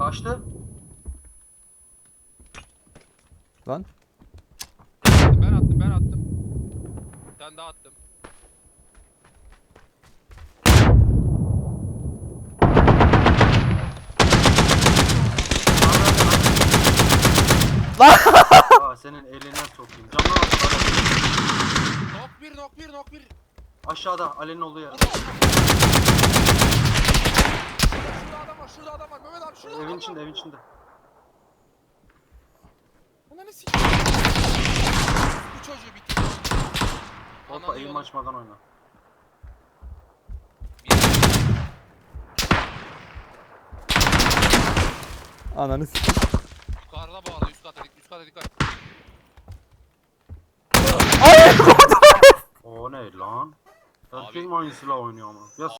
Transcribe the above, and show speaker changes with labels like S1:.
S1: Kaçtı.
S2: Lan.
S3: Ben attım. Bir tane daha attım.
S1: Aa senin eline sokayım. Camdan aşağıda.
S3: Nok bir.
S1: Aşağıda Ali'nin olduğu yer.
S3: Şurada adam var. Mehmet abi şurada adam
S1: Evin
S3: var.
S1: içinde, evin içinde.
S3: Ananı sikeyim. Bu çocuğu bitti.
S1: Hoppa
S3: Ananı
S1: eğim
S3: yolu-
S1: açmadan oyna.
S2: Ananı s***.
S3: Yukarıda bu arada üst kata dikkat.
S2: Ay!
S1: O ne lan?
S3: Abi-
S1: Erkek aynı silah oynuyor ama. Ya